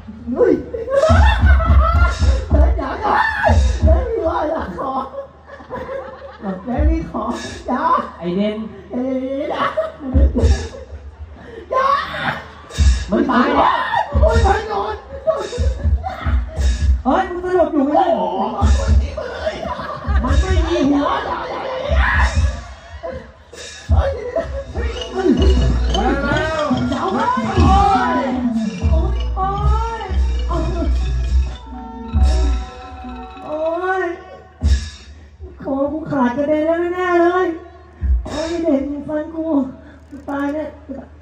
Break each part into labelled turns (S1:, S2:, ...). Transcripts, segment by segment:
S1: เฮ้ยแม่จ๋าแม่มีว่าอยากขอแม่มีขอจ๋า
S2: ไอเด่น
S1: จ๋าจ๋า
S2: มันตายแล้ว
S1: โอ้ยมันนอน
S2: เฮ้ยมึงสลบอยู่ไม่ได้มันไม่มีหัว
S1: แล้วเจ้าโอ้ยโอ้ยโอ้ยคอกูขาดกระเด็นแล้วแน่เลยโอ้ยเด็กฟันกูตายเนี่ย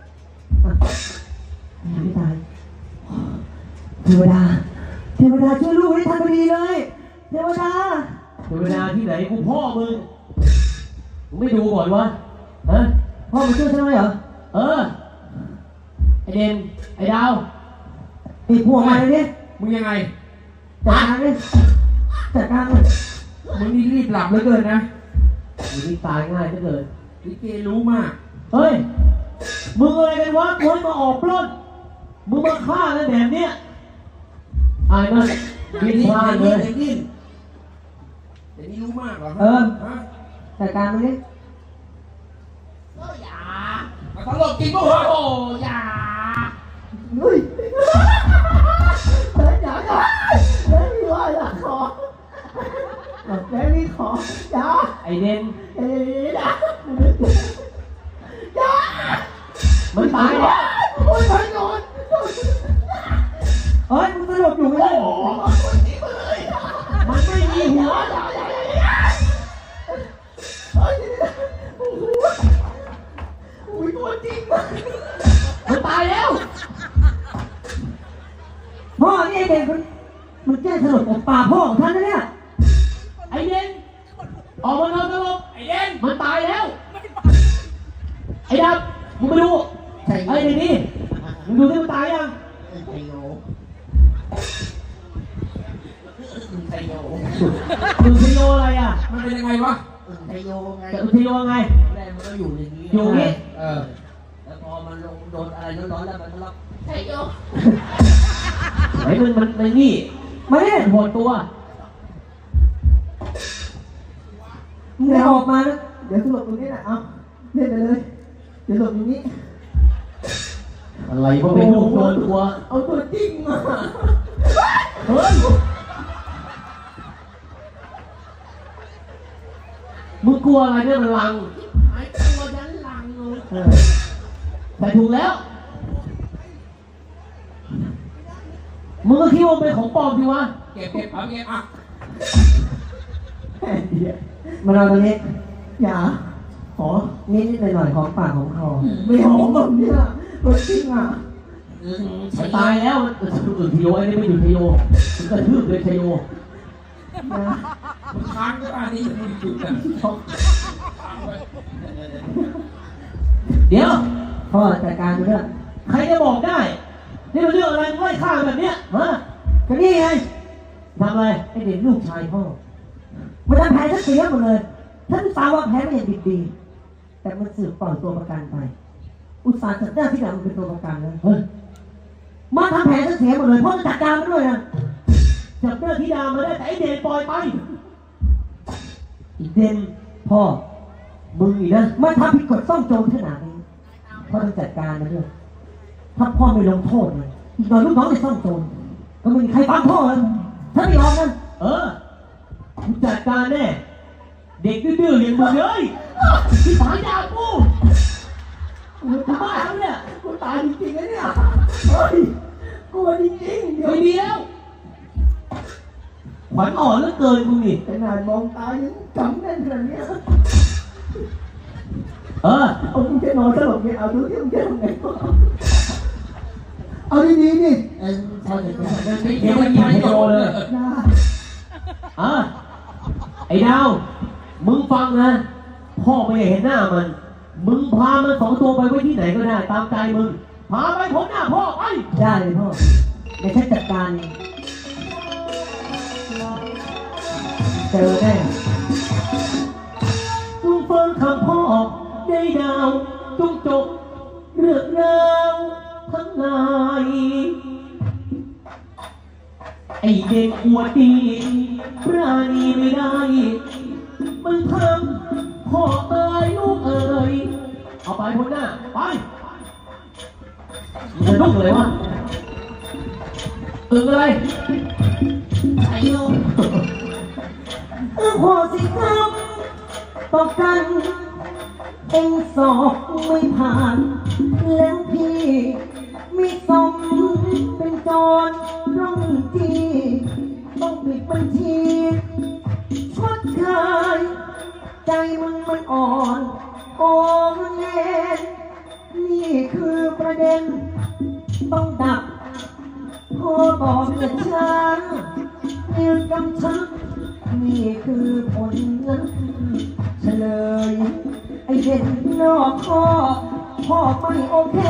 S1: ไม่ตายเทวดาช่วยลูกให้ทันพอดีเลยเทวดา
S2: ที่ไหนกูพ่อมึงไม่ดูก่อนวะฮะ
S1: พ่อมาช่วยใช่ไหมเหรอ
S2: ไอเด่นไอดาว
S1: ไอพวกมาเลยเนี่ย
S2: มึงยังไง
S1: จัดการเลย
S2: มึงนี่รีบหลับเหลือเกินนะมึงนี่ตายง่ายเหลือเกินลิเกรู้มากเฮ้ยมึงอะไรกันวะคนมาออกปล้นมึงมาฆ่ากันแบบเนี้ยไอ้นั่นกินพลาดเลยแต่นี่รู้มากเหรอ
S1: จัดการมันดิ
S2: อย่าตลกจริงป่ะโอ้อย่า
S1: เฮ้ยแม่จ๋าแม่มีว่าอยากขอแม่มีขอจ๋า
S2: ไอเด่น
S1: จ๋า
S2: มันตายแล้ว
S1: โอ้ยมันนอน
S2: เฮ้ยมึงสลบอยู่ไม่ได้มันไม่มีหัว
S1: อุ้ยตัวจริง
S2: มันตายแล้ว
S1: พ่อนี่เด็กมันแก้สลบของป่าพ่อของท่านนะเนี่ย
S2: ไอเด่นออกมานอนสลบไอเด่นมันตายแล้วไอ้ดำมึงไปดูไอ้เด็กนี่มึงดูที่มันตายยังมึงไทโยอะไรอ่ะมันเป็นยังไงวะ
S1: ไทโยไง
S2: แต่ไทโยไง
S1: แรกมันก็อยู่อย่างนี้
S2: อยู่นี่
S1: แล้วพอมันลงโดนอะไรร้อนๆแล้วมันก็รับไทโย
S2: ไอ้มันนี่
S1: มาเนี่ย
S2: โหดตัว
S1: มึงเดี๋ยวออกมานะเดี๋ยวสลบตรงนี้นะเอาเล่นไปเลยเดี๋ยวสลบตรงนี้
S2: อะไรก็ไม่รู้โดนตัว
S1: เอาตัวจริงมา
S2: เฮ้ยมึงกลัวอะไรเนี่ยมันลัง
S1: ไอ้ตัวยันลัง
S2: เลยแต่ถูกแล้วมึงก็คิดว่าเป็นของปลอมดิวะเก็บเอาเก็บอ่ะ
S1: มาเราตรงนี้อย่าขอนิดหน่อยของปากของคอไม่หอมแบบนี้ตัวจริงอ่ะ
S2: ตายแล้วทีโยไอ้นี่ไม่อยู่ทีโยมันกระทืบเลยทีโยค้างก็อันนี้มันจุดอ่ะเดี๋ยว
S1: พ่อจัดการเรื่อง
S2: ใครจะบอกได้นี่เป็นเรื่องอะไรไล่ฆ่าแบบเนี้ยฮะ
S1: ก็นี่ไง
S2: ทำอะไร
S1: ไอเด็กลูกชายพ่อมันทำแผนเสียหมดเลยท่านสาวว่าแผนไม่อย่างดีแต่มันสืบปล่อยตัวประกันไปอุตส่าห์จัดได้ที่หลังมันเป็นตัวประกันเลยมาทำแผนเสียหมดเลยพ่อจะจัดการมันด้วยนะ
S2: จับเรื่องธิดามาได้แต่ไอเด่นปล่อยไป
S1: อีเด่นพ่อ
S2: มึงอีกนะ
S1: มันทำผิดกฎซ่องโจรขนาดนี้พ่อต้องจัดการมันด้วยถ้าพ่อไม่ลงโทษมันอีกหน่อยลูกน้องจะซ่องโจรก็ไม่มีใครฟังพ่อเลยถ้าไม่ยอมกัน
S2: กูจัดการแน่เด็กดื้อๆอย่างมึงเลยที่ตายยากูตายแล้วเนี่ย
S1: กูตายจริงๆนะเนี่ยเฮ้ยกูจริงๆ
S2: เดี๋ยวขวัญอ่อนเหลือเกินมึงนี่
S1: ขนาดมองตายังจำแน่นขนาดนี้
S2: เอา
S1: มึงจะนอนสลบเนี่ยเอาดูที่มึงจะทำไงเอาดีๆนี่
S2: เดี๋ยวมันยิงโดนเลยไอ้ดาวมึงฟังนะพ่อไม่เห็นหน้ามันมึงพามันสองตัวไปไว้ที่ไหนก็ได้ตามใจมึงพาไปพ้นหน้าพ่อไป
S1: ได้เลยพ่อในแค่จัดการเจอแน่
S2: จงฟังคำพ่อได้ดาวจงจบเรื่องราวทั้งหลายไอเด็กหัวดีปราณีไม่ได้มึงทำพ่อเอ๋ยลูกเอ๋ยเอาไปพ้นหน้าไปมึงลุกเลยวะตึงเลยไอ้โยม
S1: พอสิครับต่อกันเองสอบไม่ผ่าน แล้วพี่มีสมเป็นจรร่องจีต้องปิดบัญชีชดเคยใจมันอ่อนโอ้เย็นนี่คือประเด็นต้องดับพอบอกเกิดช้ายืนกำชับนี่คือผลนั้นเฉลยไอเด็กนอกข้อพ่อไม่โอเค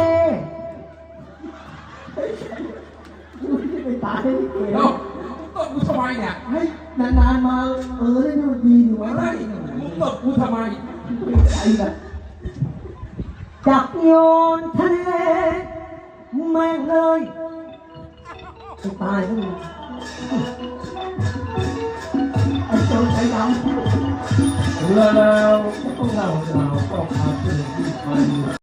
S1: ไปตายลิเก
S3: เอ้าตบกูทำไมเนี่ย
S1: ให้นานๆมาได้ดูดีดีวะ
S3: ไม่มึงตบกูทำไม
S1: ใจแบบจับโยนทะเลแม่งเลยไปตายแล้วมึงไอ้โจรใจดำ
S2: แล้วพวกเราก็พาขึ้นที่ไป